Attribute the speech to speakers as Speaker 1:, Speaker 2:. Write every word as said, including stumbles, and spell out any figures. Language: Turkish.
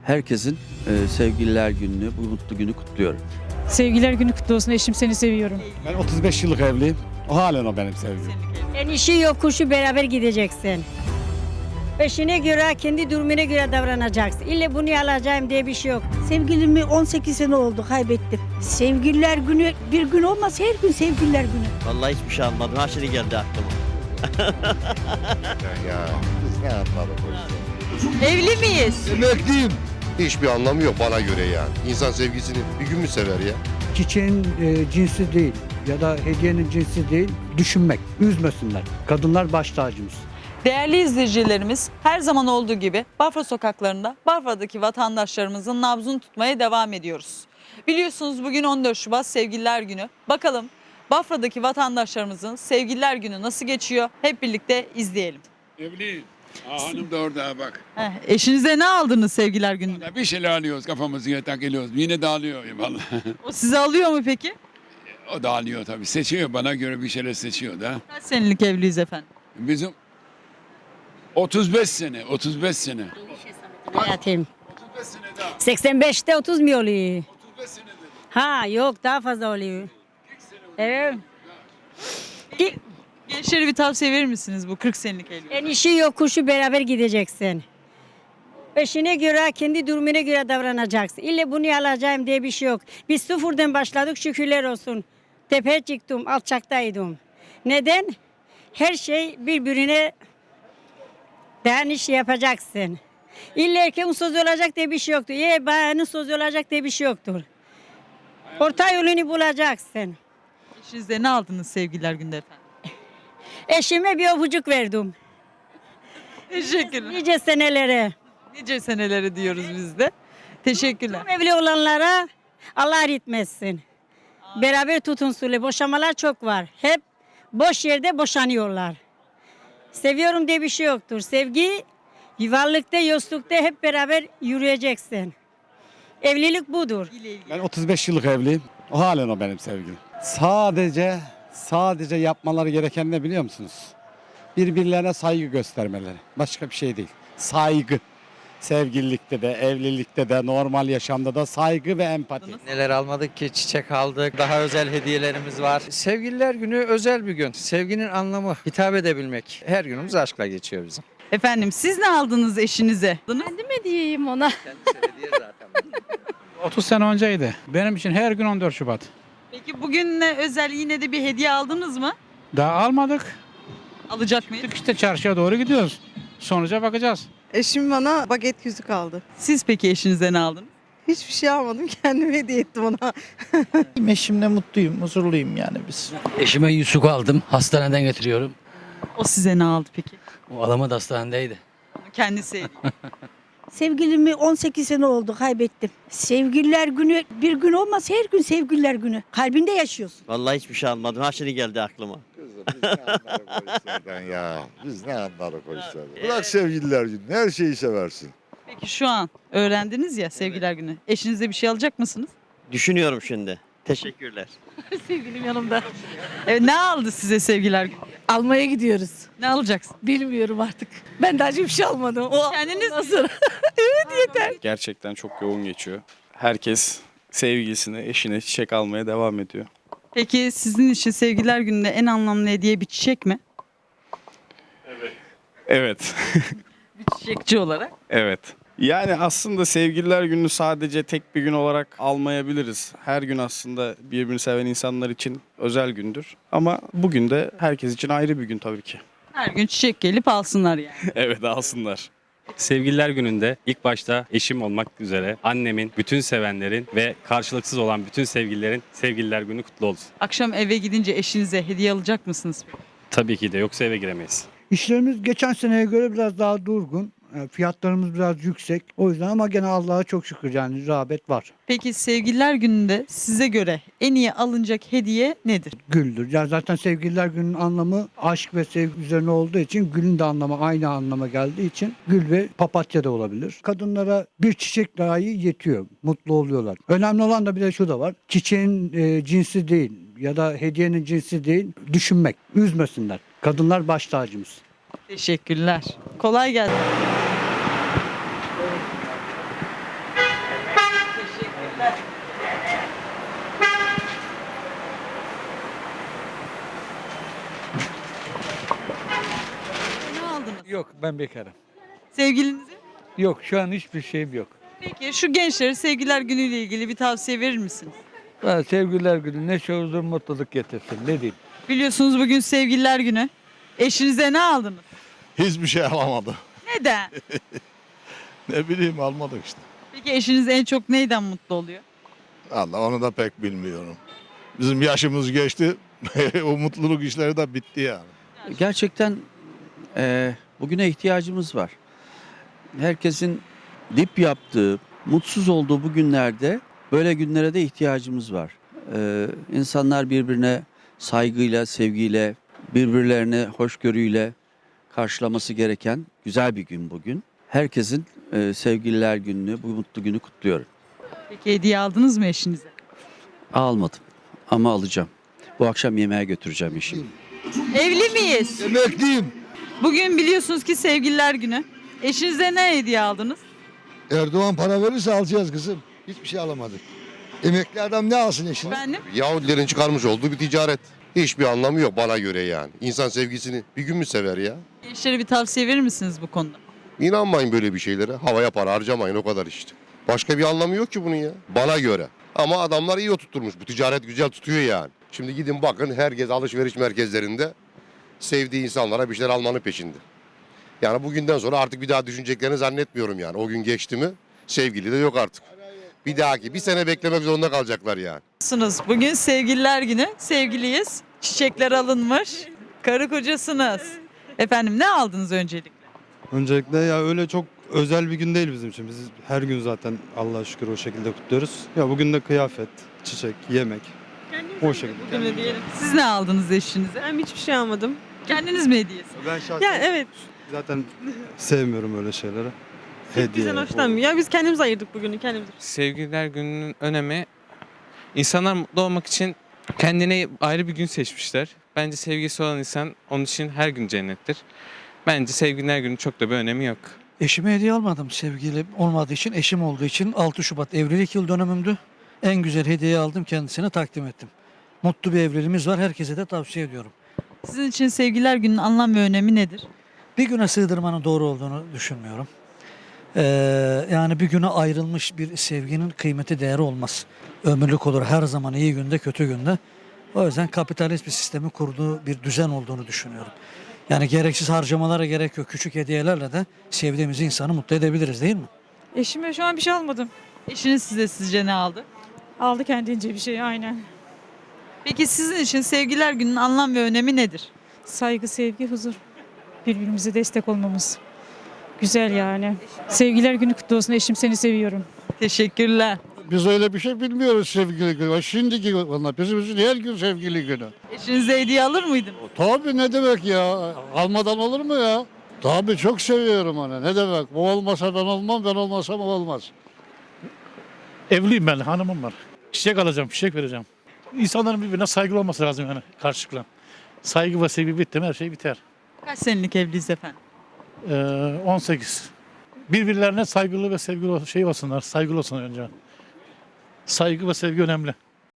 Speaker 1: herkesin e, sevgililer gününü, bu mutlu günü kutluyorum.
Speaker 2: Sevgiler günü kutlu olsun. Eşim seni seviyorum.
Speaker 3: Ben otuz beş yıllık evliyim. O halen o benim sevgilim.
Speaker 4: En işi yok kuşu beraber gideceksin. Eşine göre, kendi durumuna göre davranacaksın. İlle bunu alacağım diye bir şey yok.
Speaker 5: Sevgilimi on sekiz sene oldu kaybettim. Sevgililer günü bir gün olmaz, her gün sevgililer günü.
Speaker 6: Vallahi hiçbir şey almadım. Her şey geldi aklıma.
Speaker 7: Ya biz ne anladık o işten?
Speaker 8: Evli miyiz?
Speaker 7: Emekliyim. Hiçbir anlamı yok bana göre yani. İnsan sevgisini bir gün mü sever ya?
Speaker 9: Çiçeğin e, cinsi değil ya da hediyenin cinsi değil, düşünmek, üzmesinler. Kadınlar baş tacımız.
Speaker 8: Değerli izleyicilerimiz, her zaman olduğu gibi Bafra sokaklarında Bafra'daki vatandaşlarımızın nabzını tutmaya devam ediyoruz. Biliyorsunuz bugün on dört Şubat Sevgililer Günü. Bakalım Bafra'daki vatandaşlarımızın Sevgililer Günü nasıl geçiyor? Hep birlikte izleyelim.
Speaker 10: Evliyim. Aa, hanım da orada bak.
Speaker 8: Heh, eşinize ne aldınız Sevgililer Günü'nde?
Speaker 10: Bir şeyler alıyoruz kafamızı takılıyoruz. Yine dağılıyor vallahi.
Speaker 8: O sizi alıyor mu peki?
Speaker 10: O dağılıyor tabii. Seçiyor bana göre bir şeyler seçiyor da.
Speaker 8: Kaç senelik evliyiz efendim?
Speaker 10: Bizim otuz beş sene, otuz beş sene.
Speaker 4: Hayatım.
Speaker 10: otuz beş sene daha.
Speaker 4: seksen beşte otuz mu oluyor?
Speaker 10: otuz beş sene dedim.
Speaker 4: Ha yok daha fazla oluyor. Evet. Ki-
Speaker 8: Gençlere bir tavsiye verir misiniz bu kırk senelik evlilik?
Speaker 4: En işi yok kuşu beraber gideceksin. Eşine göre, kendi durumuna göre davranacaksın. İlle bunu alacağım diye bir şey yok. Biz sıfırdan başladık şükürler olsun. Tepeye çıktım, alçaktaydım. Neden? Her şey birbirine dayanış yapacaksın. İlle erkeğin sözü olacak diye bir şey yoktur. Ya bayanın sözü olacak diye bir şey yoktur. Orta yolunu bulacaksın.
Speaker 8: Eşinize ne aldınız Sevgililer Günü'nde efendim?
Speaker 4: Eşime bir öpücük verdim.
Speaker 8: Teşekkürler.
Speaker 4: Nice senelere.
Speaker 8: Nice seneleri diyoruz biz de. Teşekkürler.
Speaker 4: Tüm evli olanlara Allah etmesin. Beraber tutunsunlar. Boşamalar çok var. Hep boş yerde boşanıyorlar. Seviyorum diye bir şey yoktur. Sevgi varlıkta, yoklukta hep beraber yürüyeceksin. Evlilik budur.
Speaker 3: Ben otuz beş yıllık evliyim. O halen o benim sevgilim. Sadece, sadece yapmaları gereken ne biliyor musunuz? Birbirlerine saygı göstermeleri. Başka bir şey değil. Saygı. Sevgililikte de, evlilikte de, normal yaşamda da saygı ve empati.
Speaker 11: Neler almadık ki, çiçek aldık, daha özel hediyelerimiz var. Sevgililer günü özel bir gün. Sevginin anlamı hitap edebilmek. Her günümüz aşkla geçiyor bizim.
Speaker 8: Efendim siz ne aldınız eşinize?
Speaker 2: Kendim mi diyeyim ona?
Speaker 11: Kendisi hediye zaten.
Speaker 9: otuz sene önceydi. Benim için her gün on dört Şubat.
Speaker 8: Peki bugünle özel yine de bir hediye aldınız mı?
Speaker 9: Daha almadık.
Speaker 8: Alacak mıyız?
Speaker 9: İşte çarşıya doğru gidiyoruz. Sonuca bakacağız.
Speaker 12: Eşim bana baget yüzük aldı.
Speaker 8: Siz peki eşinize ne aldınız?
Speaker 12: Hiçbir şey almadım, kendime hediye ettim ona.
Speaker 11: Eşimle mutluyum, huzurluyum yani biz.
Speaker 13: Eşime yüzük aldım. Hastaneden getiriyorum.
Speaker 8: O size ne aldı peki?
Speaker 13: O alamadı, hastanedeydi.
Speaker 8: Onu kendisi hediye.
Speaker 5: Sevgilimi on sekiz sene oldu kaybettim. Sevgililer günü bir gün olmaz, her gün sevgililer günü. Kalbinde yaşıyorsun.
Speaker 6: Vallahi hiçbir şey almadım. Her şey geldi aklıma.
Speaker 7: Kızım biz ne anladık o işlerden ya? Biz ne anladık o işlerden? Bırak sevgililer günü. Her şeyi seversin.
Speaker 8: Peki şu an öğrendiniz ya Sevgililer Günü. Eşinize bir şey alacak mısınız?
Speaker 6: Düşünüyorum şimdi. Teşekkürler.
Speaker 2: Sevgilim yanımda.
Speaker 8: Evet, ne aldı size Sevgililer Günü?
Speaker 2: Almaya gidiyoruz.
Speaker 8: Ne alacaksın?
Speaker 2: Bilmiyorum artık. Ben daha hiçbir şey almadım. O
Speaker 8: Kendiniz
Speaker 2: ondan sonra. Evet yeter.
Speaker 3: Gerçekten çok yoğun geçiyor. Herkes sevgilisine, eşine çiçek almaya devam ediyor.
Speaker 8: Peki sizin için Sevgililer Günü'nde en anlamlı hediye bir çiçek mi?
Speaker 3: Evet.
Speaker 8: Bir çiçekçi olarak.
Speaker 3: Evet. Yani aslında sevgililer günü sadece tek bir gün olarak almayabiliriz. Her gün aslında birbirini seven insanlar için özel gündür. Ama bugün de herkes için ayrı bir gün tabii ki.
Speaker 8: Her gün çiçek gelip alsınlar yani.
Speaker 3: Evet, alsınlar.
Speaker 13: Sevgililer gününde ilk başta eşim olmak üzere annemin, bütün sevenlerin ve karşılıksız olan bütün sevgililerin Sevgililer Günü kutlu olsun.
Speaker 8: Akşam eve gidince eşinize hediye alacak mısınız?
Speaker 13: Tabii ki de, yoksa eve giremeyiz.
Speaker 9: İşlerimiz geçen seneye göre biraz daha durgun. E, Fiyatlarımız biraz yüksek. O yüzden ama gene Allah'a çok şükür yani rağbet var.
Speaker 8: Peki Sevgililer Günü'nde size göre en iyi alınacak hediye nedir?
Speaker 9: Güldür. Ya zaten sevgililer günün anlamı aşk ve sevgi üzerine olduğu için gülün de anlamı aynı anlama geldiği için gül ve papatya da olabilir. Kadınlara bir çiçek dahi yetiyor. Mutlu oluyorlar. Önemli olan da bir de şu da var. Çiçeğin e, cinsi değil ya da hediyenin cinsi değil. Düşünmek. Üzmesinler. Kadınlar baş tacımız.
Speaker 8: Teşekkürler. Kolay gelsin. Ne aldınız?
Speaker 9: Yok, ben bekarım.
Speaker 8: Sevgilinize?
Speaker 9: Yok, şu an hiçbir şeyim yok.
Speaker 8: Peki şu gençlere sevgililer günüyle ilgili bir tavsiye verir misiniz?
Speaker 9: Ben sevgililer günü neşe, huzur, mutluluk getirsin. Ne diyeyim?
Speaker 8: Biliyorsunuz bugün sevgililer günü. Eşinize ne aldınız?
Speaker 7: Hiçbir şey alamadı.
Speaker 8: Neden?
Speaker 7: Ne bileyim almadık işte.
Speaker 8: Peki eşiniz en çok neyden mutlu oluyor?
Speaker 7: Allah onu da pek bilmiyorum. Bizim yaşımız geçti. O mutluluk işleri de bitti yani.
Speaker 1: Gerçekten e, bugüne ihtiyacımız var. Herkesin dip yaptığı, mutsuz olduğu bu günlerde böyle günlere de ihtiyacımız var. E, insanlar birbirine saygıyla, sevgiyle, birbirlerine hoşgörüyle karşılaması gereken güzel bir gün bugün. Herkesin e, sevgililer gününü, bu mutlu günü kutluyorum.
Speaker 8: Peki hediye aldınız mı eşinize?
Speaker 1: Almadım ama alacağım. Bu akşam yemeğe götüreceğim eşimi.
Speaker 8: Evli miyiz?
Speaker 3: Emekliyim.
Speaker 8: Bugün biliyorsunuz ki sevgililer günü. Eşinize ne hediye aldınız?
Speaker 3: Erdoğan para verirse alacağız kızım. Hiçbir şey alamadık. Emekli adam ne alsın eşine?
Speaker 8: Efendim?
Speaker 7: Yahudilerin çıkarmış olduğu bir ticaret. Hiçbir anlamı yok bana göre yani. İnsan sevgisini bir gün mü sever ya?
Speaker 8: Gençlere bir tavsiye verir misiniz bu konuda?
Speaker 7: İnanmayın böyle bir şeylere. Havaya para harcamayın o kadar işte. Başka bir anlamı yok ki bunun ya. Bana göre. Ama adamlar iyi oturtmuş. Bu ticaret güzel tutuyor yani. Şimdi gidin bakın herkes alışveriş merkezlerinde sevdiği insanlara bir şeyler almanın peşinde. Yani bugünden sonra artık bir daha düşüneceklerini zannetmiyorum yani. O gün geçti mi sevgili de yok artık. Bir dahaki bir sene beklemek zorunda kalacaklar yani.
Speaker 8: Nasılsınız? Bugün sevgililer günü. Sevgiliyiz. Çiçekler alınmış. Karı kocasınız. Efendim ne aldınız öncelikle?
Speaker 9: Öncelikle ya öyle çok özel bir gün değil bizim için. Biz her gün zaten Allah'a şükür o şekilde kutluyoruz. Ya bugün de kıyafet, çiçek, yemek. O şekilde.
Speaker 8: Bugün de diyelim. Siz ne aldınız eşinize?
Speaker 12: Ben hiçbir şey almadım.
Speaker 8: Kendiniz mi hediyesi?
Speaker 9: Ben şahsen
Speaker 12: Ya evet.
Speaker 9: zaten sevmiyorum öyle şeyleri.
Speaker 12: Bizden hoşlanmıyor. Ya biz kendimiz ayırdık bugünü kendimiz.
Speaker 11: Sevgililer gününün önemi, insanlar mutlu olmak için kendine ayrı bir gün seçmişler. Bence sevgisi olan insan onun için her gün cennettir. Bence sevgililer günü çok da bir önemi yok.
Speaker 9: Eşime hediye almadım sevgilim olmadığı için, eşim olduğu için. altı Şubat evlilik yıl dönümümdü. En güzel hediye aldım, kendisine takdim ettim. Mutlu bir evliliğimiz var, herkese de tavsiye ediyorum.
Speaker 8: Sizin için sevgililer gününün anlam ve önemi nedir?
Speaker 9: Bir güne sığdırmanın doğru olduğunu düşünmüyorum. Ee, yani bir güne ayrılmış bir sevginin kıymeti değeri olmaz. Ömürlük olur her zaman, iyi günde kötü günde. O yüzden kapitalist bir sistemi kurduğu bir düzen olduğunu düşünüyorum. Yani gereksiz harcamalara gerek yok. Küçük hediyelerle de sevdiğimiz insanı mutlu edebiliriz değil mi?
Speaker 2: Eşime şu an bir şey almadım.
Speaker 8: Eşiniz size sizce ne aldı?
Speaker 2: Aldı kendince bir şey aynen.
Speaker 8: Peki sizin için sevgililer gününün anlam ve önemi nedir?
Speaker 2: Saygı, sevgi, huzur. Birbirimize destek olmamız. Güzel yani. Sevgiler günü kutlu olsun. Eşim seni seviyorum.
Speaker 8: Teşekkürler.
Speaker 3: Biz öyle bir şey bilmiyoruz sevgili günü. Şimdiki onlar bizim için her gün sevgili günü.
Speaker 8: Eşinize hediye alır mıydınız?
Speaker 3: Tabii ne demek ya? Almadan olur mu ya? Tabii çok seviyorum onu. Ne demek? O olmasa ben olmam, ben olmasam o olmaz.
Speaker 9: Evliyim ben, hanımım var. Çiçek alacağım, çiçek vereceğim. İnsanların birbirine saygılı olması lazım yani karşılıklı. Saygı ve sevgi bitti mi her şey biter.
Speaker 8: Kaç senelik evliyiz efendim?
Speaker 9: Ee, on sekiz. Birbirlerine saygılı ve sevgili şey olsunlar, saygılı olsunlar önce. Saygı ve sevgi önemli.